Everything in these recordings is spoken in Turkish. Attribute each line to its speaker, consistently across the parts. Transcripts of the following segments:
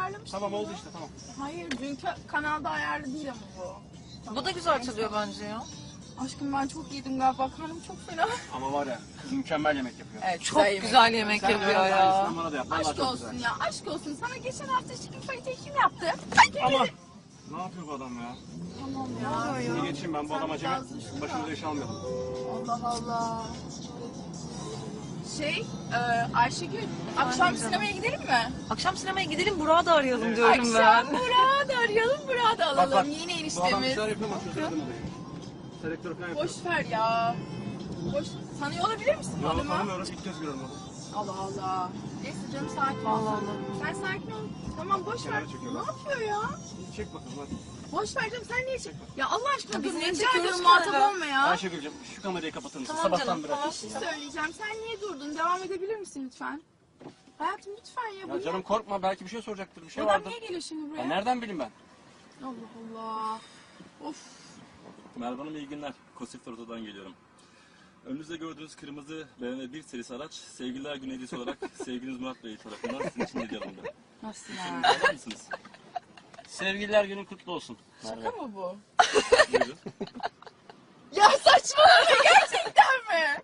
Speaker 1: ayarlamıştım.
Speaker 2: Tamam oldu işte tamam.
Speaker 1: Hayır dünkü kanalda ayarlı değil ama bu. Tamam.
Speaker 3: Bu da güzel çalıyor bence ya.
Speaker 1: Aşkım ben çok yedim galiba. Karnım çok fena.
Speaker 2: Ama var ya kız mükemmel yemek yapıyor.
Speaker 1: Evet,
Speaker 3: Çok güzel yemek
Speaker 2: Sen
Speaker 3: yapıyor
Speaker 2: öyle
Speaker 3: ya.
Speaker 2: aynısından bana da yap. Vallahi
Speaker 1: Aşk
Speaker 2: çok
Speaker 1: olsun
Speaker 2: güzel.
Speaker 1: ya. Aşk olsun. Sana geçen hafta chicken fajita kim yaptı?
Speaker 2: Ama ne yapıyor bu adam ya?
Speaker 1: Tamam ya.
Speaker 2: Şimdi geçeyim ben bu
Speaker 1: Sen
Speaker 2: adam acemi.
Speaker 1: biraz düşün
Speaker 2: Başımıza
Speaker 1: ya.
Speaker 2: iş almayalım.
Speaker 1: Allah Allah. Ayşegül, akşam
Speaker 3: canım.
Speaker 1: sinemaya gidelim mi?
Speaker 3: Akşam sinemaya gidelim, Burak'ı da arayalım
Speaker 2: Evet.
Speaker 3: diyorum ben.
Speaker 1: Akşam Burak'ı da arayalım, Burak'ı da alalım.
Speaker 2: Bak,
Speaker 1: Yine
Speaker 2: Bu adam bir
Speaker 1: eniştemiz.
Speaker 2: şeyler yapıyor ama çözemedim olayı. Selektör falan yapıyor.
Speaker 1: Boş ver ya. Boş. Tanıyor olabilir misin bu
Speaker 2: Ya
Speaker 1: adamı?
Speaker 2: tanımıyorum ilk kez görüyorum onu.
Speaker 1: Allah Allah. Neyse canım sakin ol.
Speaker 3: Allah
Speaker 1: Sen sakin ol. Tamam boş ver.
Speaker 2: Kenara çekiyor
Speaker 1: Ne
Speaker 2: bak.
Speaker 1: yapıyor ya?
Speaker 2: Çek bakalım hadi.
Speaker 1: Boş ver canım sen niye çek? Ya Allah aşkına
Speaker 3: biz
Speaker 1: dur
Speaker 3: niye
Speaker 1: rica
Speaker 3: çekiyoruz
Speaker 1: ediyorum
Speaker 3: ki
Speaker 1: muhatap
Speaker 3: arada?
Speaker 1: olma ya.
Speaker 2: Ayşegül'cüm şu kamerayı kapatır mısın?
Speaker 3: Tamam
Speaker 2: Sabahtan
Speaker 3: canım,
Speaker 2: beri
Speaker 3: tamam.
Speaker 1: Bir şey söyleyeceğim. Sen niye durdun? Devam edebilir misin lütfen? Hayatım lütfen ya.
Speaker 2: Ya canım korkma belki bir şey soracaktır bir şey
Speaker 1: Bu adam
Speaker 2: vardır.
Speaker 1: niye geliyor şimdi buraya?
Speaker 2: Ya nereden bileyim ben?
Speaker 1: Allah Allah. Of.
Speaker 4: Merhaba Hanım, iyi günler. Kosif Oto'dan geliyorum. Önünüzde gördüğünüz kırmızı BMW 1 serisi araç, Sevgililer Günü hediyesi olarak sevgiliniz Murat Bey tarafından sizin için hediye alındı.
Speaker 1: Nasıl
Speaker 4: Şimdi
Speaker 1: ya?
Speaker 4: alır mısınız?
Speaker 2: Sevgililer günün kutlu olsun.
Speaker 1: Şaka mı bu?
Speaker 4: Buyurun.
Speaker 1: Ya saçmalama gerçekten mi?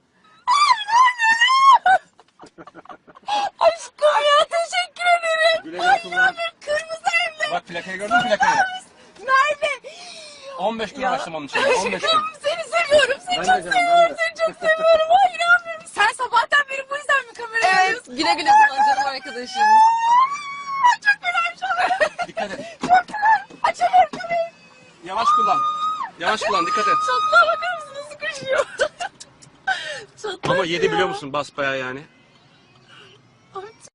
Speaker 1: Aşkım ya teşekkür ederim.
Speaker 2: Güle güle kullan.
Speaker 1: Kırmızı evde
Speaker 2: Bak plakayı gördün mü plakayı?
Speaker 1: Merve.
Speaker 2: 15 gün uğraştım onun için. 15 gün.
Speaker 1: Seni seviyorum. Seni
Speaker 2: Ben
Speaker 1: çok
Speaker 2: de canım,
Speaker 1: seviyorum.
Speaker 2: ben de.
Speaker 1: Seni çok seviyorum. Ay inanmıyorum. Sen sabahtan beri bu yüzden mi kameraya
Speaker 3: Evet,
Speaker 1: alıyorsun?
Speaker 3: güle güle kullan canım arkadaşım.
Speaker 1: Ay çok fenaymış oluyor.
Speaker 2: Dikkat et.
Speaker 1: Çok fenayım. Açamıyorum kamerayı.
Speaker 2: Yavaş kullan. Yavaş kullan dikkat et.
Speaker 1: Çatlağa bakar mısın nasıl koşuyor? Çatlak
Speaker 2: Ama yedi
Speaker 1: ya.
Speaker 2: biliyor musun basbayağı yani.